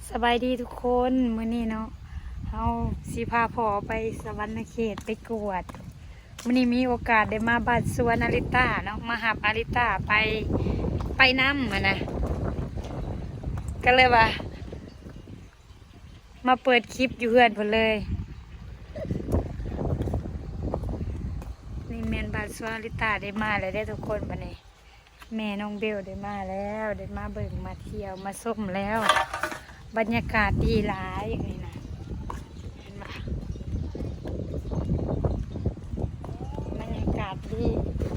สบายดีทุกคนมื้อนี้เนาะเฮาสิพาพ่อไปสวรรณเขตไปกวดมื้อนี้มีโอกาสได้มาบ้านสวนอาริต้าเนาะมาหับอาริต้าไปน้ำนะก็เลยว่ามาเปิดคลิปอยู่เฮือนเพิ่นเลยนี่แม่นบ้านสวนอาริต้าได้มาแล้วได้ทุกคนบัดนี้แม่น้องเบลได้มาแล้วได้มาเบิ่งมาเที่ยวมาส้มแล้วบรรยากาศดีหลายอย่างนี้นะเห็นไหมบรรยากาศดี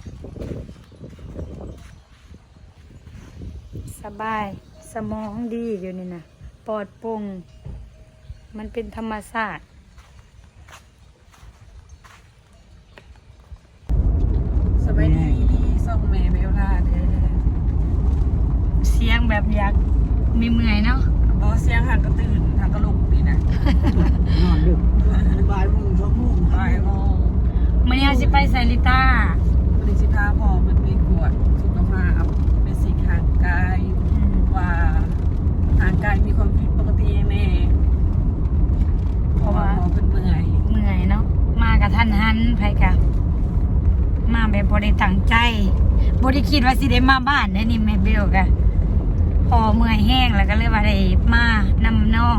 สบายสมองดีอยู่นี่นะปลอดโปร่งมันเป็นธรรมชาติสบายดีส่งแม่เบลล่าเด้อเสียงแบบอยากมีเมื่อยเนาะบอเสียงห่างก็ตื่นห่างก็ลุกดีนะนอนดึกบ่ายโมง2 โมงบ่ายโมงมื่อนี้เราจะไปไซริต้าบริสิพาพอมันไปกวดสุขภาพเป็นสิ่งห่างกายว่าห่างกายมีความผิดปกติแน่เพราะว่าพอเป็นเมื่อยเนาะมากับท่านฮันไผกะมาแบบบริตั้งใจบริคิดว่าสิได้มาบ้านได้นี่แม่เบลกะพอเมื่อยแห้งแล้วก็เลยว่าได้มานำน้อง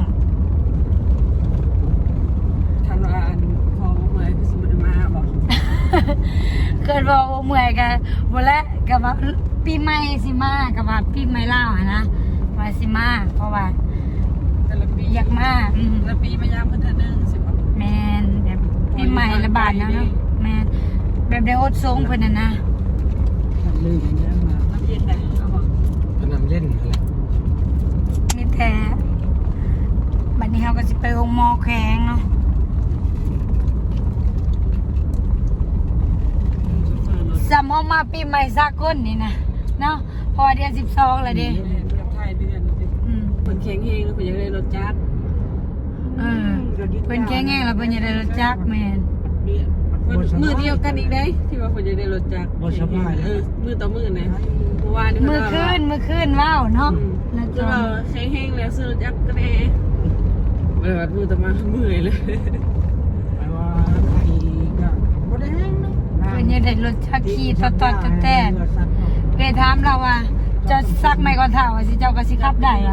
ทันว่าพอเมื่อยคือสมบูรณ์มาบอกเกิดว่าเมื่อยกันหมดแล้วกับว่าปีใหม่สิมากับว่าปีใหม่ลาวนะว่าสิมาเพราะว่าแต่ละปีอยากมาแต่ละปีมายามเพิ่นเทื่อนึงสิบ่แมนแบบปีใหม่ระบาดเนาะแมนแบบได้อดทรงเพิ่นน่ะนะลืมยังมาน้ำเย็นได้เอาบ่ก็นำเล่นอะไรมีแต่บัดนี้เราก็สิไปโรงหมอแข็งเนาะสำเอามาปีใหม่สากลนี่นะเนาะพอเดือน12แล้วเด้เดือนไทยเดือนเพิ่นแข็งเฮงแล้วเพิ่นอยากได้รถจักรเพิ่นแข็งแรงแล้วเพิ่นจะได้รู้จักแม่นมือเดียวกันอีกได้ที่ว่าเพิ่นอยากได้รถจักรมือต่อมือนะเมื่อวานมื้อคืนว้าวเนาะแล้วจะก็ว่าแข็งเฮงแล้วซื้อรถจักรก็แน่เมื่อมือต่อมาเมื่อยเลยแปลว่าใครก็บ่ได้แห้งนะเพิ่นจะได้รู้จักขี่ตอดๆแต่เคยถามเราว่าจะซักไม้ก่อนเท้าว่าสิเจ้าก็สิขับได้วะ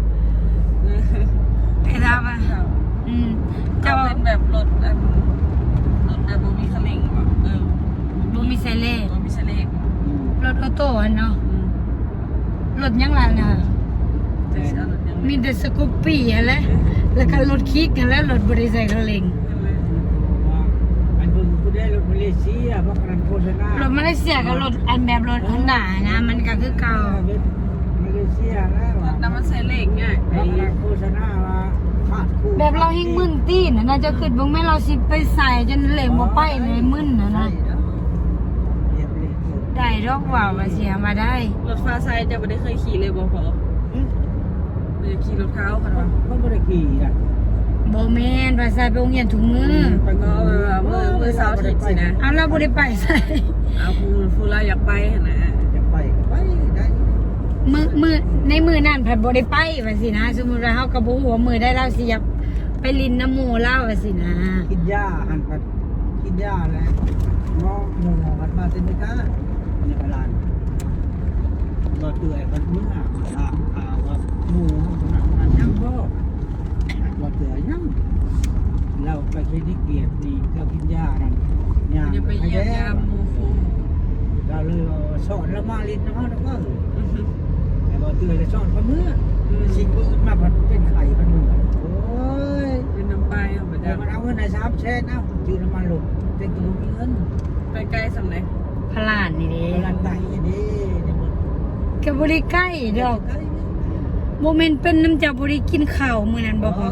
เคยถามว่าจะเจ้าเป็นแบบรถแบบบ่มีคันเร่งแบบบ่มีไซเล่บ่มีเสลกรถออโต้เนาะรถยังล่ะน่ะจะเอารถยังมีแต่สกูปปี้อะไรแล้วก็รถคิกกันแล้วรถบ่ได้ใส่กระเล็งอันเพิ่งกูได้รถมาเลเซียเพราะการโฆษณารถมาเลเซียกับรถอันแบบรถฮอนด้านะมันก็คือเก่ามาเลเซียแล้วน้ำมันเสลกง่ายเพราะการโฆษณาว่าขาดคู่แบบเราเฮงมึนตีนน่ะจะขึ้นบ่แม่เราสิไปใส่จนเหลงบ่ไปเลยมึนน่ะนะเรียบเลยได้ดอกว่าว่าเสียมาได้รถฟ้าไซจะไม่ได้เคยขี่เลยบอกพอเลยขี่รถเท้าค่ะว่าเขาไม่ได้ขี่อ่ะบ่แม่นว่าใส่ไปโรงเรียนถุงมือไปก็มือเสาร์อาทิตย์สินะเอาเราบ่ได้ไปใส่เอาผู้เราอยากไปนะจะไปก็ไปได้มือในมือนั่นเพิ่นบ่ได้ไปว่าสินะสมมุติว่าเฮาก็บ่ฮู้ว่ามือได้เราสิอยากไปลินน้ำหมู่เราว่าสินะกินหญ้าหันไปกินหญ้าแล้วมองหมูกันมาเต็มเลยค่ะในเวลาเราเตื่อยกันเมื่อถามข่าวว่าหมูขนาดนั้นยังบ่เราเตื่อยยังเราไปคลินิกเกียรตินี่เรากินหญ้านั่นยาจะไปเยี่ยมยามมูฟูเราเลยสอนแล้วมาลิ้นนะฮะแล้วก็แต่เราเตื่อยจะสอนคนเมื่อสิ่งอื่นมาเป็นไข่มันเหมือนโอ้ยเป็นน้ำไปเอาไปแต่ได้มันเอาเงินใน3 แสนเอาจืดน้ำมันหลุดเป็นตัวมีเงินไปไกลสำเร็จพลานนี่เด้เวลาไก่นี่เนี่ยมันก็บ่ได้ใกล้ดอกบ่แม่นเป็นน้ำจากบ่ได้กินข้าวมื้อนั้นบ่พอ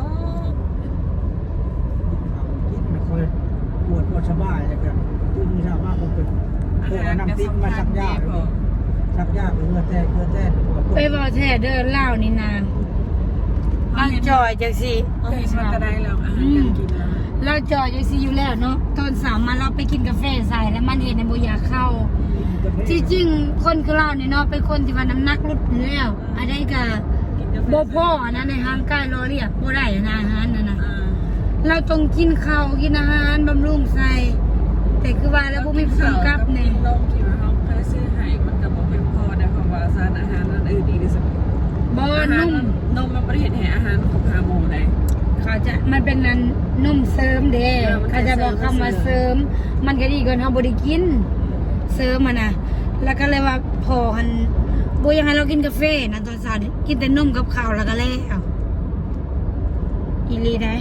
กินคอยปวดสบายเลยครับตื่นเช้ามาผมเป็นเพื่อน้ำติ๊กมาสักยาเพื่อแท้ไปเว้าแท้เด้อลาวนี่นะเราจอยจังซี่เห็นมันก็ได้แล้วอาหารการกินแล้วเราจอยจังซี่อยู่แล้วเนาะตอนสาวมาเราไปกินกาแฟใส่แล้วมันเฮ็ดให้บ่อยากเข้าที่จริงคนคือเรานี่เนาะเป็นคนที่ว่าน้ำหนักลดอยู่แล้วอันใดก็กินกาบ่พ่อนะในร่างกายรอเรียกบ่ได้นะอาหารนั่นน่ะอ่าเราต้องกินข้าวกินอาหารบำรุงใส่แต่คือว่าแล้วบ่มีผู้กำกับนี่นมที่ว่าเขาเคยซื้อให้มันก็บอกเป็นพอได้เพราะว่าสารอาหารนั้นดีที่สุดบ่อาหารนุ่มนมมันประเทศแห่อาหารของฮาโมได้เขาจะมันเป็นนั้นนุ่มเสริมเด้มันเป็นเขาจะบอกคำว่าเสริม มันก็ดีกว่าเฮาบ่ได้กินเสริมมันน่ะแล้วก็เลยว่าพอหันบ่อยากให้เรากินกาแฟนะตอนเช้านี่กินแต่นมกับข้าวแล้วก็แล้วอีหลีได้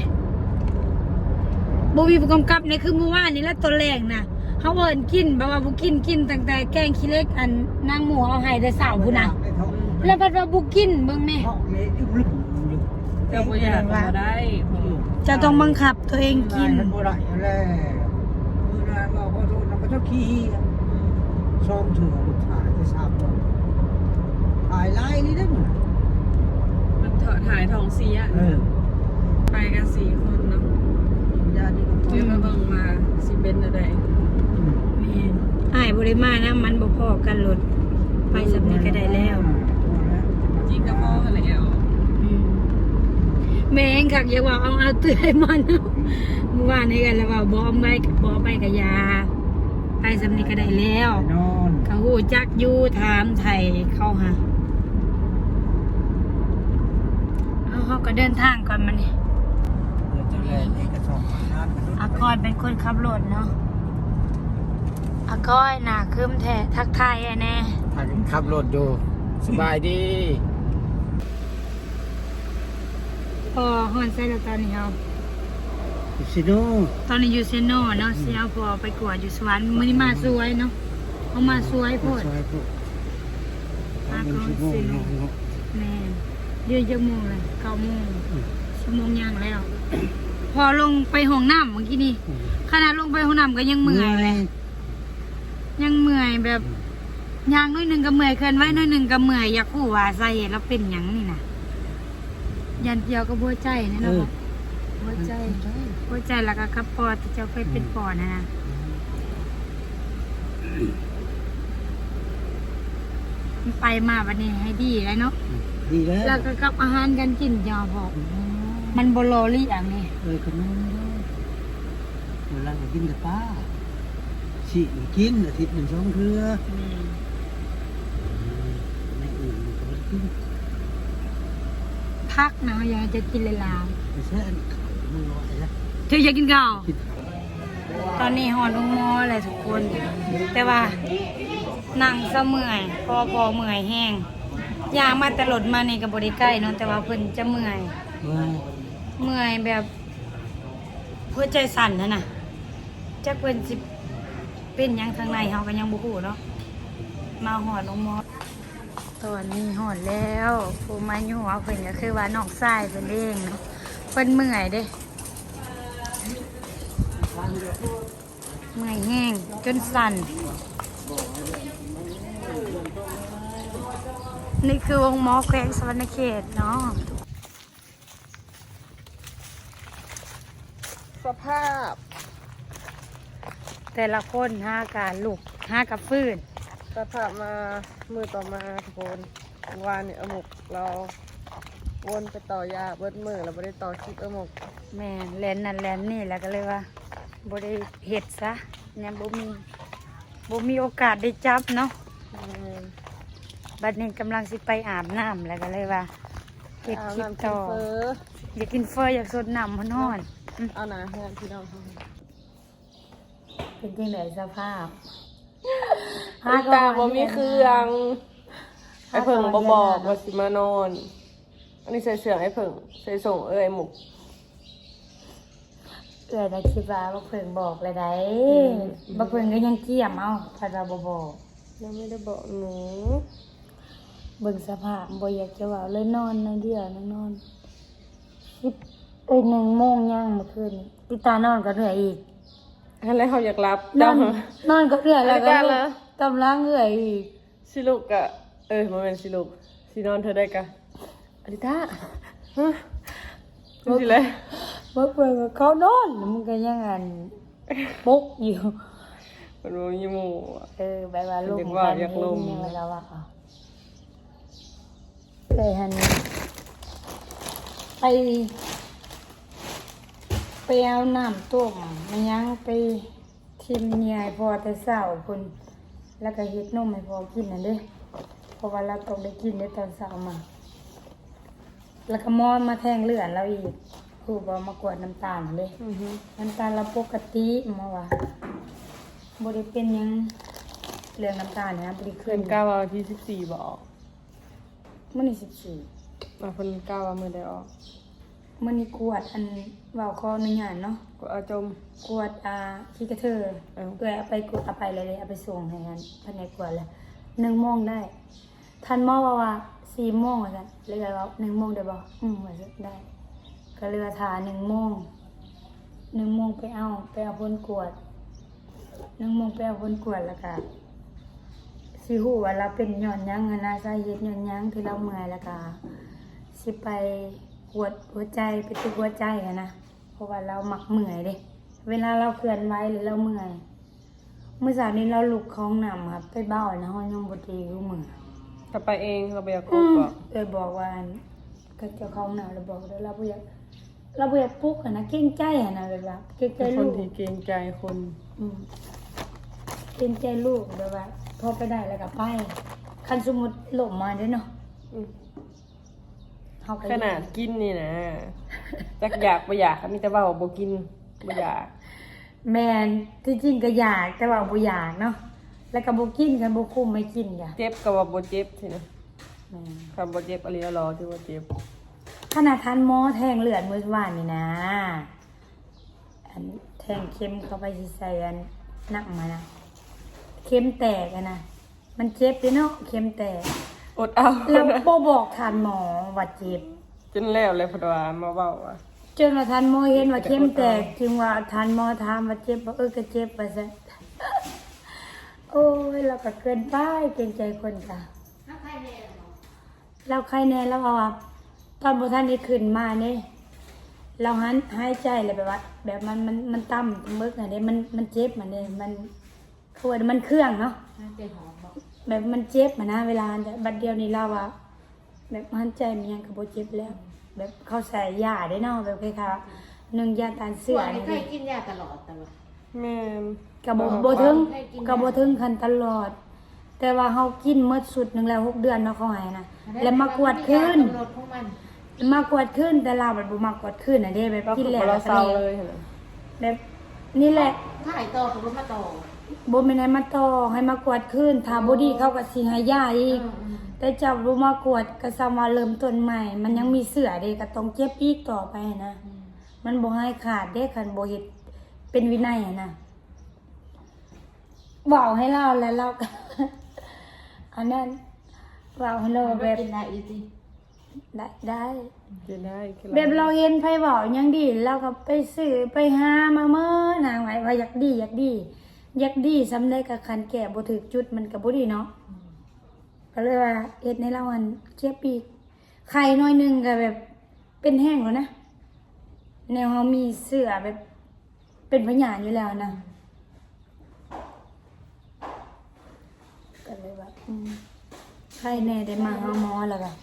บ่มีผู้กำกับนี่คือเมื่อวานนี่แหละตอนแรกน่ะเฮาเอิ้นกินแบบว่าบ่กินตั้งแต่แกงขี้เหล็กอันนางหมูเอาให้แต่เช้าพุ่นน่ะแล้วบัดว่าบ่กินเบิ่งแม่ท้องเละอึ้งลึกลึกแต่บ่อยากก็ได้จะต้องบังคับตัวเองกินมันบ่ได้แล้วมื้อนั้นเราก็โดนเราก็ต้องขี้ซ้อมเถื่อลูกชายที่ทราบว่าถ่ายไล่นี่ได้หมดมันถ่ายท้องเสีย ไปกัน4 คนเนาะญาตินี่ก็เดี๋ยวมาเบิ่งมาสิเป็นอะไรแม่นอ้ายบ่ได้มานะมันบ่พอกันรถไปสำนี้ก็ได้แล้วจริงก็พอแล้วแม่งคักอย่าว่าเอาเตื้อยมันเมื่อวานนี้กันแล้วว่าบ่ไปกับยาไปสำนี้ก็ได้แล้วนอนเขาฮู้จักอยู่ถามไทยเขาหาเอาเฮาก็เดินทางก่อนมานี่เดี๋ยวจะแลนเอกสารงานกันอากอยเป็นคนขับรถเนาะอากอยน่ะคืมแท้ทักทายไอ้แน่พากันขับรถอยู่สบายดีพอฮอนใส่แล้วตอนนี้เฮาซิโน่ตอนนี้อยู่เซโนเนาะเสียพอไปกวดอยู่สวรรค์มื้อนี้มาสวยเนาะเอามาสวยโพดซอยพวกมาเป็นก่อนชั่วโมงสิเนาะแม่เดือนจักโมงเลย9 โมงชั่วโมงย่างแล้ว พอลงไปห้องน้ำเมื่อกี้นี่ขนาดลงไปห้องน้ำก็ยังเมื่อยเลยยังเมื่อยแบบย่างน้อยหนึงก็เมื่อยเคลื่อนไหวน้อยหนึงก็เมื่อยอยากรู้ว่าสาเหตุเราเป็นหยังนี่น่ะยันเกี่ยวกับหัวใจนี่เนาะหัวใจแล้วก็กับปอดที่เจ้าเคยเป็นปอดนะมันไปมาวันนี้ให้ดีเลยเนาะดีแล้วแล้วก็กับอาหารการกินยาพอมันบโลลี่อย่างนี้ขนมเวลาก็กินแต่ปลาฉีกินอาทิตย์หนึ่งสองเทื่อไม่อื่นก็ไม่กินพักนะอยากจะกินเลยลาไม่ใช่อันมึงรอไอ้ละเธออยากกินข้าวตอนนี้หอลงมอเลยทุกคน แต่ว่านั่งเสเมื่อยพอเมื่อยแห้งยางมาแต่รถมานี่กับบริใกล้เนาะแต่ว่าเพิ่นจะเมื่อย เมื่อยแบบหัวใจสั่นน่ะจักเพิ่นสิเป็นหยังทางในเฮาก็ยังบ่ฮู้เนาะมาหอดลงมอตอนนี้หอดแล้วผู้มาอยู่หัวเพิ่นก็คือว่าน้องชายเพิ่นเองเนาะเพิ่นเมื่อยเด้เมื่อยแห้งจนสั่นนี่คือวงหมอแขวงสวรรณเขตเนาะสภาพแต่ละคนห้าการลูกห้ากับฟื้นสภาพมามือต่อมาทุกคนวานเนี่ยอมกเราวนไปต่อยาเบิดมือเราไม่ได้ต่อคลิปอมกแม่แลนนั่นแลนนี่แล้วก็เลยว่าบ่ได้เฮ็ดซะยังบ่มีโอกาสได้จับเนาะบัดนี้กำลังสิไปอาบน้ำแล้วก็เลยว่าเฮ็ดคลิปต่ออยากกินเฟออยากสดน้ำร้อนๆเอาหนาแห้งพี่น้องเป็นจังไดสภาพตาบ่มีเครื่องไอ้เพิ่งบ่บอกว่าสิมานอน อันนี้ใส่เสื้อไอ้เพิ่งใส่ส่งไอ้หมุกเอื้อยได้คิดว่าบ่เพิ่งบอกเลยได้บ่เพิ่งก็ยังเกี่ยมเอาถ้าเราบ่บอกยังไม่ได้บอกหนูเบิ่งสภาพบ่อยากจะว่าเลยนอนในเดียวนั่งนอน1 โมงย่างเมื่อคืนนี้ปิตานอนก็เหนื่อยอีกอะไรเขาอยากรับนอนก็เหนื่อยแล้วก็อะไรกันล่ะกำลังเหนื่อยอีกสิลูกอะมันเป็นสิลูกสินอนเธอได้กะอลิตาฮะมันสิเลยบ่เพิ่นก็เขานอนมันก็ยังอันปุกอยู่มันบ่มีหมู่อะแบบว่าลูกอยากว่าอยากลงยังไงแล้วอ่ะเลยหันไปเอาน้ำต้มมายังไปทิมเนียให้พอแต่เช้าพุ่นแล้วก็เฮ็ดนมให้พอกินนั่นเด้เพราะว่าเราต้องได้กินในตอนเช้ามา แล้วก็มอนมาแทงเลือดเราอีกคือบ่มากวดน้ำตาลนั่นเด้น้ำตาลเราปกติหมอว่าบ่ได้เป็นหยังเรื่องน้ำตาลนะบ่ได้เพิ่ขึ้นนกล้าว่าที่14บ่ออกมื้อนี้14 เพิ่นกล้าว่ามื้อใดออกมื้อนี้กวดอันเว้าขออนุญาตเนาะก็เอาจมกวดขี้กระเทอเอ้าเอื้อยเอาไปกวดเอาไปเลยเอาไปส่งให้กันภายในกวดเลย1 โมงได้ท่านหมอว่า4 โมงว่าซั่นเลยว่า1 โมงได้บ่ว่าซั่นได้ก็เรือทา1 โมง1 โมงไปเอาผลกวด1 โมงไปเอาผลกวดแล้วก็สิฮู้ว่าเราเป็นย้อนหยังนะสาเหตุย้อนหยังที่เราเมื่อยแล้วก็สิไปกวดหัวใจไปตึกหัวใจอะนะเพราะว่าเรามักเมื่อยเด้เวลาเราเคลื่อนไหวหรือเราเมื่อยเมื่อสายนี้เราลุกเข้าห้องน้ำครับไปเบ้านะห้องยังบ่ดีคือมื้อถ้าไปเองเราไปเอากบบ่บอกว่าก็เจ้าของน้ำเราบอกเด้อเราบ่อยากปลุกอะนะเกรงใจอะนะแบบว่าเกรงใจเป็นคลูนกที่เกรงใจคนเกรงใจลูกแบบว่าพอไปได้แล้วก็ไปคันสมมุติล้มมาเด้อเนาะอืมเฮาก็ขนาดกินนี่นะจักอยากบ่อยากมีแต่ว่าบ่กินบ่อยากแม่นที่จริงก็อยากแต่ว่าบ่อยากเนาะแล้วก็บ่กินกันบ่คุ้มไม่กินจ้ะเจ็บก็ว่าบ่เจ็บสินะแม่นคำบ่เจ็บอะไรรอที่ว่าเจ็บขนาดทันหมอแทงเลือดมื้อวานนี่นะอันแทงเข็มเข้าไปสิใส่อันหนักมานะเข็มแตกอะนะมันเจ็บเด้เนาะเข็มแตกอดเอาแล้วบ่บอกทันหมอว่าเจ็บจนแล้วเลยเพนว่ามาเว้าว่าจนว่าทันหมอเห็นว่าเข็มแตกจึงว่าทันหมอถามว่าเจ็บบ่ก็เจ็บว่าซั่น โอ้ยเราก็เกินไปเกรงใจคนจ้ะเราใครแน่เราเอาว่าตอนบ่ทันได้ขึ้นมานี่เราหายใจเลยแบบว่า แบบมันต่ำมึกอันนี้มันเจ็บมันนี่มันคือว่ามันเครื่องเนาะแบบมันเจ็บมันนะเวลาบัดเดียวนี้เราว่าแบบหันใจมันยังก็บ่เจ็บแล้ว แบบเขาใส่ยาได้เนาะแบบคล้ายๆ1ยาต้านเสืส่อวนนี้นี่เคยกินยาตลอดแต่ว่าแม่นก็บ่ถึงก็บ่ถึงคันตลอด แต่ว่าเฮากินหมดสุดหนึงแล้ว6 เดือนเนาะเขาให้นะแล้วมากวดคืนกำหนดของมันมากวดขึ้นแต่เราแบบบ่มากวดขึ้นน่ะเด้แบบก็กินคือแล้วเราก็เศร้านี่เลยหั่นน่ะแบบนี่แหละถ่ายต่อกับรถมาต่อบ่แม่นให้มาต่อให้มากวดขึ้นถ้าบ่ดีเขาก็สิให้ยาอีก แต่เจ้าบ่มากวดก็ซ้ำว่าเริ่มต้นใหม่ มันยังมีเสือเด้ก็ต้องเจ็บอีกต่อไปนะ มันบ่ให้ขาดเด้คันบ่เฮ็ดเป็นวินัยอะนะเว้าให้เราแล้วเราก็ อันนั้นเว้าให้เรามันแบไม่บกินได้อีสิได้กินได้กินแบบเราเห็นไผเว้าหยังดีเราก็ไปซื้อไปหามาเมื่อนางไว้ว่าอยากดีสำได้กับคันแก่บ่ถึกจุดมันก็บ่ดีเนาะก็เลยว่าเฮ็ดในเราอันเจ็บอีกไข่น้อยหนึงก็แบบเป็นแห้งแล้วนะแนวเฮามีเสื้อแบบเป็นพยานอยู่แล้วนะก็เลยว่าไข่แน่ได้มาหาหมอแล้วก็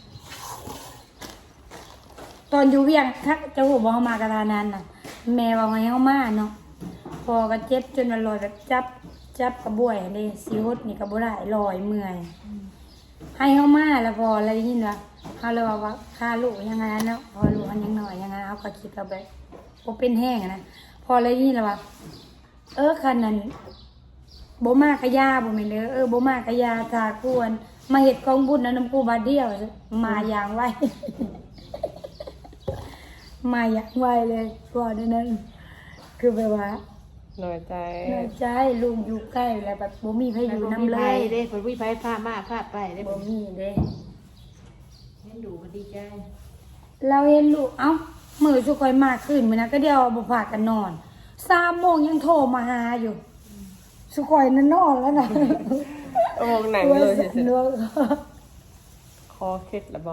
ตอนอยู่เวียงถ้าจะหูบอกเขามากระทานั้นน่ะ แม่ว่าไงเขามาเนาะพอก็เจ็บจนมันลอยแบบจับกระบวยนี่สิฮดนี่กระบวยได้ลอยเมื่อยให้เขามาแล้วพออะไรนี่เนาะเขาเลยว่าค่าลูกยังไงเนาะพอลูกมันยังหน่อยยังไงเขาก็คิดเอาแบบโอเป็นแห้งนะพออะไรนี่แล้วว่าคันนั้นโบมากระยาบ่แม่นเด้อโบมากระยาทาควรมาเฮ็ดกองบุญน้ำปูบาดเดียวมาอย่างไว มาอยากไหวเลยก่อนนั้นคือแบบว่าน้อยใจน้อยใจลุงอยู่ใกล้แล้วแบบบ่มีใครอยู่น้ำเลยเด้ผลวิภัยพามาพาไปได้บ่มีเด้เห็นดูก็ดีใจเราเห็นลูกเอ้ามื้อสุคอยมาขึ้นมื้อนั้นก็เดียวบ่พากันนอน3 โมงยังโทรมาหาอยู่สุคอยนั่นนอนแล้วนะโอ้หนังเลยเฉยตัวๆคอเคล็ดละบ่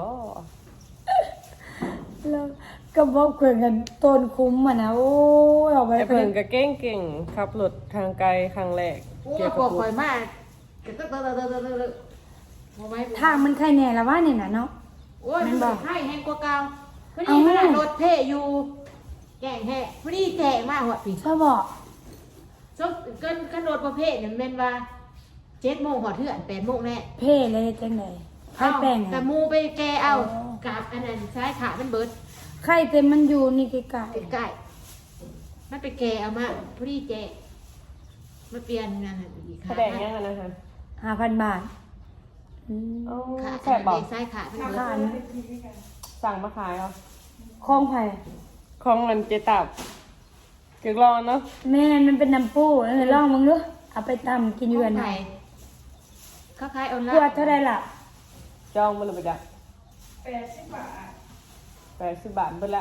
แล้วก็บอกเพิ่นกันต้นคุ้มอ่ะนะโอ้ยเอาไปไอ้เพิ่นก็เก่งๆขับรถทางไกลครั้งแรกโอ้เกี่ยวปกับวดคอยมากก็เตอะโมไม่ทางมันใครแน่ละว่านี่น่ะเนาะโอ้ยมันบอกให้แห้งกว่าเก่าคือนี่ขนาดโดนเพ่อยู่แกงแห่พอดีแจกมากหัวปีชอบบอกจบกันรถประเภทเนี่ยมันว่า7:00หัวเถื่อน8:00แน่เพ่เลยจังไดไข่แป้งแต่อะมูไปแกเอาอ๋อกับอันนั้นใช้ขามันเบิดไข่เต็มมันอยู่นี่ไกลใกล้ๆมันไปแกเอามาพอดีแจกมาเปลี่ยนงานอีกแสดงยังไงนะคะๆ 5,000 บาทอืมโอ้ขาแซ่บบอกใช้ขามันเบิดค่าอันสั่งมาขายเหรอของไผของเงินเจตับเกือกรอนเนาะแม่นมันเป็นน้ำปูนั่นเลยลองมึงดูเอาไปตำกินอยู่กันไหไหนนเขาขายออนไลขวดน์เท่าไรล่ะจองมันเลยไปจ้ะ80 บาทเบิดละ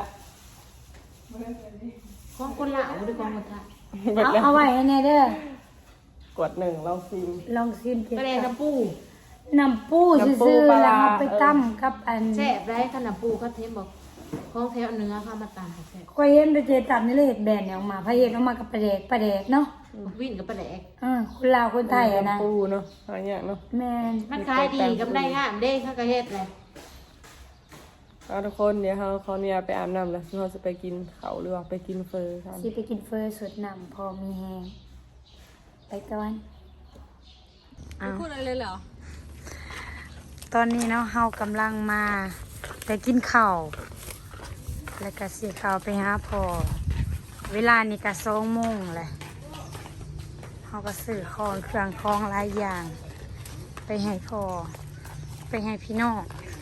ของคนลาวหรือของคนไทยเบิดแล้วเอาไว้ให้แน่เด้อกด1ลองซิมลองซิมกินก็เลยน้ำปูน้ำปูน้ำปูซื่อปลาๆแล้วร้าเอาไปตำกับอันแซ่บได้ขนาดปูเขาเทมบอกของแถวเนื้อเข้ามาตามแซ่บก็เห็นไปเจตำนี่เลยเห็ดแบนเนี่ยออกมาพระเห็ดออกมากับปลาแดกเนาะวิ่งกับปลาแดกคนลาวคนไทยอะนะปูเนาะหาอย่างเนาะแม่นมันขายดีกับได้งามเด้ข้ากระเฮ็ดเลยเอาทุกคนเดี๋ยวเขาเนี่ยไปอาบน้ำแล้วเราจะไปกินเขาหรือว่าไปกินเฟอร์กันสิไปกินเฟอร์สดน้ำพอมีแหงไปก่อนเอาพูดอะไรเลยเหรอตอนนี้เนาะเฮากำลังมาไปกินข้าวแล้วก็สิข้าวไปหาพ่อเวลานี่ก็2:00นเลยเฮาก็ซื้อของเครื่องของหลายอย่าง ไปให้พ่อไปให้พี่น้อง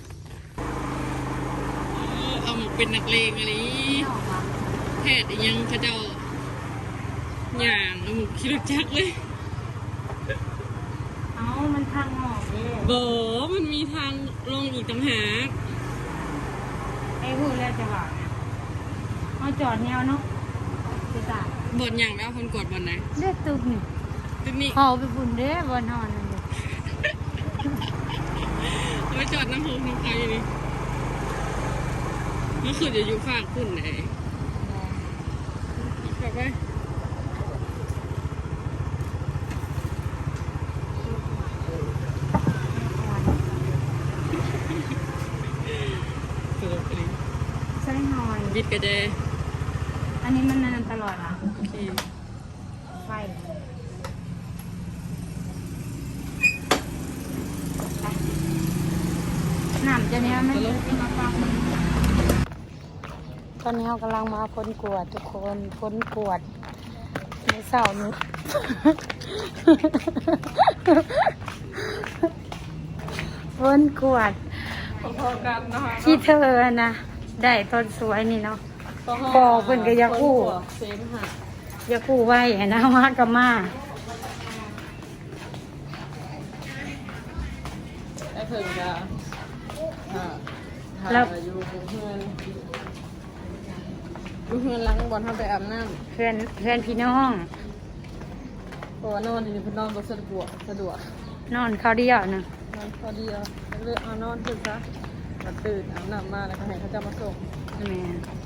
เอาเป็นนักเลงอะไรแพทย์ยังเขาเจ้าอย่างเอาหมูคิดจักเลยเอามันทางออกเด้โบมันมีทางลงอีกต่างหากไอ้พูดแล้วจะบอกนะเอาจอดแนวเนาะจะตายบทอย่างแล้วคนกดบทไหนเลือดตุกนี่ตึกนี้เขาไปบุญเด้บนหอนนั่นเด้เอาไปจอดน้ำพุน้ำพายอยู่นี่เมื่อคืนจะอยู่ฝากคุณไหนกลับไปสรุปเลยใช่หอนบิดกระเดยอันนี้มันนานตลอดอ่ะโอเคไฟน้ำจะเนี้ยมันจะมาปังตอนนี้เรากำลังมาพ้นกวดทุกคนพ้นกวดในเสาร์นี้ พ้นกวดพอๆกันนะคะที่เธอนะได้ต้นสวยนี่เนาะ พอเพิ่นก็อยากกู้เซนค่ะอย่าคู่ไว้นะมากับมาไอ้เพิ่งจะแล้วอยู่เพื่อนล้างบอลทำไปอาบน้เพื่อนพี่น้องำเพราะว่านอนอยู่เพื่อนนอนก็สะดวกนอนเขาวเดียวนะนอนพอดีเลือกเอานอนตื่นซะมาตื่นอาบน้ำมาแล้วก็ให้เขาจะมาส่งแม่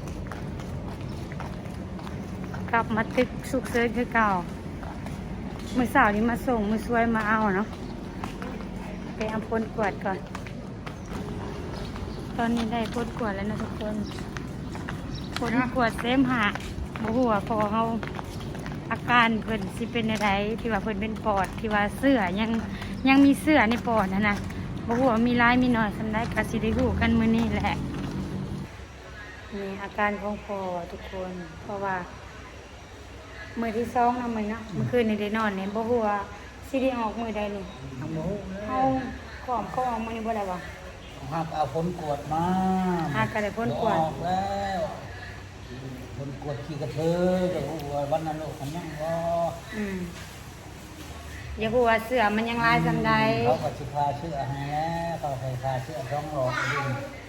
กลับมาตึกสุกเซิร์คือเก่ามือสาวนี้มาส่งมือสวยมาเอาเนาะไปเอาพ้นกวดก่อน ตอนนี้ได้พ้นกวดแล้วนะทุกคนพ้นกวดเซมหาบ่หัวาพอเขาอาการเพิ่นสิเป็นอะไรที่ว่าเพิ่นเป็นปอดที่ว่าเสื้อยังมีเสื้อในปอดนะบ่หัวามีร้ายมีน้อยสำได้ก็สิได้รู้กันมื้อนี้แหละนี่อาการของพ่อทุกคน เพราะว่ามื้อที่2นะมื้อนะเมื่อคืนนี่ได้นอนเนี่ยบ่ฮู้ว่าสิได้ออกมื้อใดนี่ทำหมูเฮาขอมเขาออกมื้อนี้บ่ได้บ่หักเอาผลกวดมาหาก็ได้พ้นกวดออกแล้วผลกวดขี้กระเทยจะรู้ว่าวันนั้นลูกมันยังบ่อย่าฮู้ว่าเสื้อมันยังลายซำใดเขาก็สิพาเสื้อให้แล้วเขาใส่พาเสื้อ2หลอดดิ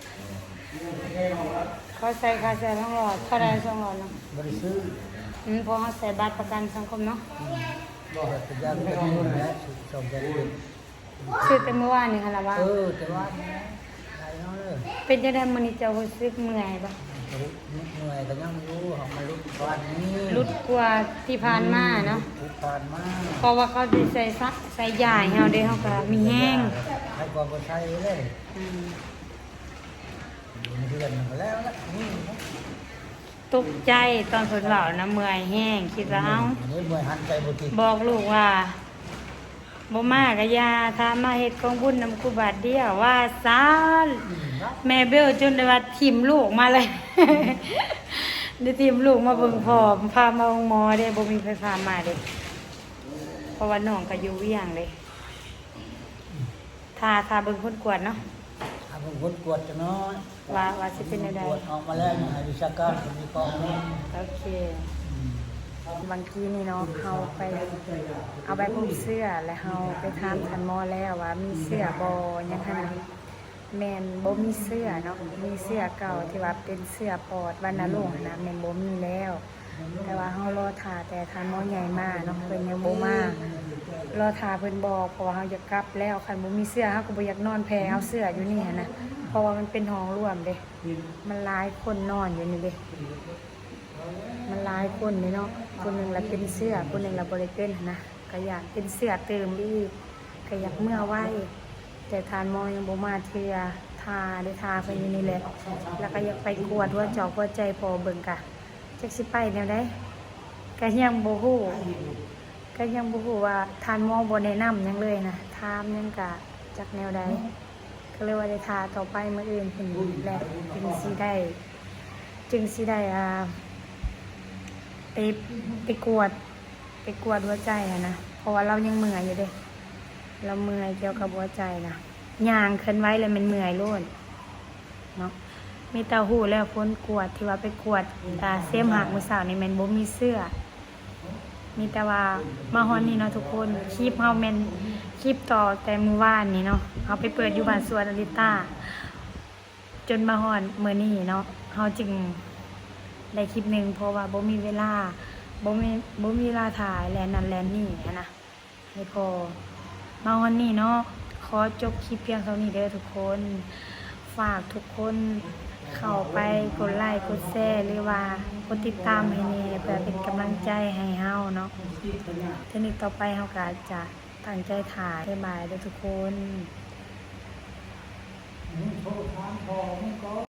เขาใส่ค่าใส่2หลอดเท่าใด2หลอดเนาะบ่ได้ซื้อเพราะเขาใส่บัตรประกันสังคมเนาะบ่ให้สัญญาณเป็นนู่นแล้วส่งใจเย็นซื้อแต่เมื่อวานนี่ค่ะล่ะว่าแต่ว่าไหนเนาะเลยเป็นจังได๋มื้อนี้เจ้ารู้สึกเมื่อยบ่เหนื่อยก็ยังรู้ของมาลุกบ้านนี้รุดกว่าที่ผ่านมาเนาะทุกผ่านมาเพราะว่าเขาสิใส่ยาให้เฮาเด้เฮาก็มีแห้งให้ความคนไทยเลยอืมเดือนหนึ่งแล้วละนี่ตกใจตอนเพิ่นเว้านะเมื่อยแห้งคิดว่าเอ้าเมื่อยหันใจบ่ติดบอกลูกว่าบ่มากะยาถ้ามาเฮ็ดกองบุญนำครูบาทเดียวว่าซานแม่เบลจนได้ว่าทิ่มลูกมาเลย ได้ทิ่มลูกมาเบิ่งพ่อพามาโรงหมอเด้บ่มีไฟฟ้ามาเด้เพราะว่าน้องก็อยู่เวียงเลยถ้าเบิ่งคนกวดเนาะถ้าผมกดกวดจะน้อยว่าสิเป็นจังได๋กวดออกมาแล้วอย่างวิชาการผมมีกองนี้โอเคบางทีนี่เนาะเฮาไปเอาใบพวกเสื้อแล้วเฮาไปถามท่านหมอแล้วว่ามีเสื้อบ่ยังคั่นน่ะแม่นบ่มีเสื้อเนาะมีเสื้อเก่าที่ว่าเป็นเสื้อปอดวัณโรคนะแม่นบ่มีแล้ว แต่ว่าเฮารอท่าแต่ท่านหมอใหญ่มาเนาะเพิ่นยังบ่มารอท่าเพิ่นบอกเพราะว่าเฮาอยากกลับแล้วคันบ่มีเสื้อเฮาก็บ่อยากนอนแพ้เฮาเสื้ออยู่นี่หันนะเพราะว่ามันเป็นห้องร่วมเด้มันหลายคนนอนอยู่นี่เด้มันหลายคนนี่เนาะคนหนึงละเป็นเสื้อคนหนึงละบ่ได้เป็นหั้นนะก็อยากเป็นเสื้อเติมอีกก็อยากเมื่อไว้แต่ท่านหมอยังบ่มาเทื่อทาได้ทาเพิ่นอยู่นี่แหละแล้วก็อยากไปกวดหัวจอกหัวใจพอเบิ่งกะจักสิไปแนวใดก็ยังบ่ฮู้ว่าทานหมอบ่แนะนำหยังเลยนะถามหยังกะจักแนวใดก็เลยว่าได้ทาต่อไปมื้ออื่นเพิ่นแหละจึงสิได้ไปกวดหัวใจนะเพราะว่าเรายังเมื่อยอยู่เด้เราเมื่อยเกี่ยวกับหัวใจนะย่างเคลื่อนไหวแล้วมันเมื่อยโลดเนาะมีเต้าหู้แล้วคนกวดที่ว่าไปกวดเสียมหักมื้อเช้านี่แม่นบ่มีเสื้อมีแต่ว่ามาฮอนนี่เนาะทุกคนคลิปเฮาแม่นคลิปต่อแต่มื้อวานนี่เนาะเฮาไปเปิดอยู่บ้านสวนอลิต้าจนมาฮอนมื้อนี้เนาะเฮาจึงได้คลิปหนึงเพราะว่าบ่มีเวลาถ่ายแลนนั่นแลนนี่นะให้พอมาฮอนนี่เนาะขอจบคลิปเพียงเท่านี้เด้อทุกคนฝากทุกคนเข้าไปกดไลค์กดแชร์หรือว่ากดติดตามให้แน่เพื่อเป็นกำลังใจให้เฮาเนาะเทคนิคต่อไปเฮาก็จะตั้งใจถ่ายบ๊ายบายเด้อทุกคน